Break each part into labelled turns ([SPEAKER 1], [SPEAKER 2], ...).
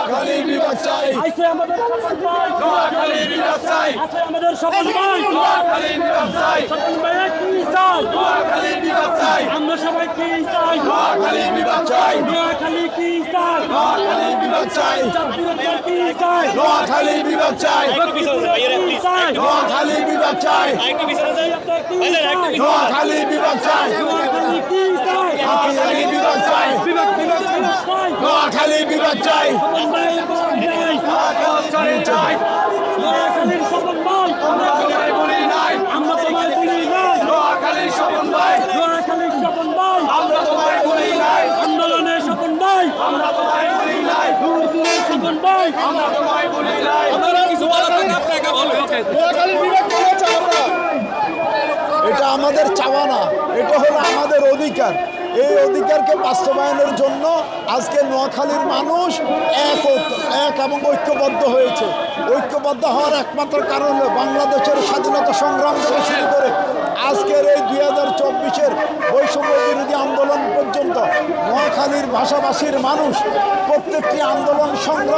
[SPEAKER 1] নোয়াখালীর বিভাগ চাই,
[SPEAKER 2] আছে আমাদের স্বপন ভাই,
[SPEAKER 1] নোয়াখালীর বিভাগ চাই,
[SPEAKER 2] আছে আমাদের স্বপন ভাই,
[SPEAKER 1] নোয়াখালীর বিভাগ চাই,
[SPEAKER 2] স্বপন ভাই কি চাই,
[SPEAKER 1] নোয়াখালীর বিভাগ চাই,
[SPEAKER 2] আমরা সবাই কি চাই,
[SPEAKER 1] নোয়াখালীর বিভাগ চাই,
[SPEAKER 2] নোয়াখালী কি চাই,
[SPEAKER 1] নোয়াখালীর বিভাগ চাই,
[SPEAKER 2] জাতীয়তা কি চাই,
[SPEAKER 1] নোয়াখালীর বিভাগ চাই,
[SPEAKER 2] কি চাই,
[SPEAKER 1] নোয়াখালীর বিভাগ চাই,
[SPEAKER 2] জাতীয়তা কি চাই,
[SPEAKER 1] নোয়াখালীর বিভাগ চাই,
[SPEAKER 2] নোয়াখালী কি চাই,
[SPEAKER 1] নোয়াখালীর বিভাগ চাই, নোয়াখালীর বিভাগ চাই,
[SPEAKER 2] স্বপন ভাই চাই, নোয়াখালীর স্বপন ভাই,
[SPEAKER 1] নোয়াখালীর বলি নাই,
[SPEAKER 2] আমরা তোমায় বলি নাই,
[SPEAKER 1] নোয়াখালীর স্বপন ভাই,
[SPEAKER 2] নোয়াখালীর স্বপন ভাই,
[SPEAKER 1] আমরা তোমায় বলি নাই,
[SPEAKER 2] আন্দোলনের স্বপন ভাই,
[SPEAKER 1] আমরা তোমায় বলি নাই,
[SPEAKER 2] দূরের স্বপন ভাই,
[SPEAKER 1] আমরা তোমায় বলি নাই,
[SPEAKER 3] এটা আমাদের চাওয়া না, এটা হলো আমাদের অধিকার। এই অধিকারকে বাস্তবায়নের জন্য আজকে নোয়াখালীর মানুষ এক এবং ঐক্যবদ্ধ হয়েছে। ঐক্যবদ্ধ হওয়ার একমাত্র কারণ হলো বাংলাদেশের স্বাধীনতা সংগ্রাম থেকে শুরু করে আজকের এই 2024-এর বৈষম্য বিরোধী আন্দোলন পর্যন্ত নোয়াখালীর ভাষাভাষীর মানুষ প্রত্যেকটি আন্দোলন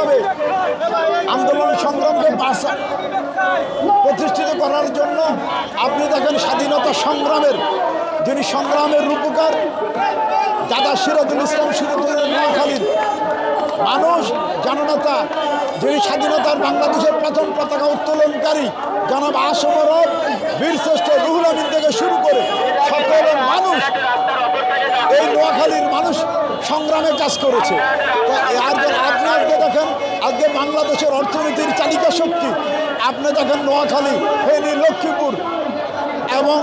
[SPEAKER 3] সংগ্রামকে প্রতিষ্ঠিত করার জন্য আপনি দেখেন স্বাধীনতা সংগ্রামের যিনি সংগ্রামের রূপকার দাদা সিরাজুল ইসলাম সিরাজুলের নোয়াখালীর মানুষ জননেতা যিনি স্বাধীনতার বাংলাদেশের প্রথম পতাকা উত্তোলনকারী জনাব আসমরব বীরশ্রেষ্ঠ রুহুল আমিন থেকে শুরু করে সকল মানুষ এই নোয়াখালীর মানুষ সংগ্রামে কাজ করেছে। আপনি আজকে দেখেন আজকে বাংলাদেশের অর্থনীতির চালিকা শক্তি আপনি দেখেন নোয়াখালী, ফেনী, লক্ষ্মীপুর এবং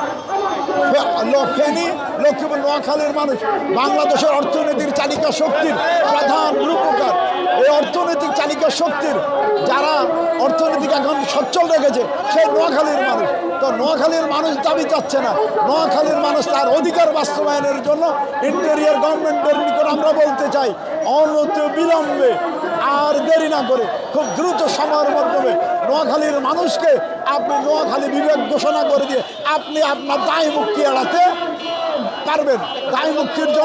[SPEAKER 3] লক্ষ্মীপুর নোয়াখালীর মানুষ বাংলাদেশের অর্থনীতির চালিকা শক্তির প্রধান রূপকার। এই অর্থনৈতিক চালিকা শক্তির যারা অর্থনীতিক এখন সচ্ছল রেখেছে সেই নোয়াখালীর মানুষ। তো নোয়াখালীর মানুষ দাবি চাচ্ছে না, নোয়াখালীর মানুষ তার অধিকার বাস্তবায়নের জন্য ইন্টেরিয়র গভর্নমেন্টের নিকট আমরা বলতে চাই অনতি বিলম্বে আর দেরি না করে খুব দ্রুত সময়ের মাধ্যমে নোয়াখালীর মানুষকে আপনি নোয়াখালী বিভাগ ঘোষণা করে দিয়ে আপনি আপনার দায় মুক্তি এড়াতে পারবেন। দায় মুক্তির জন্য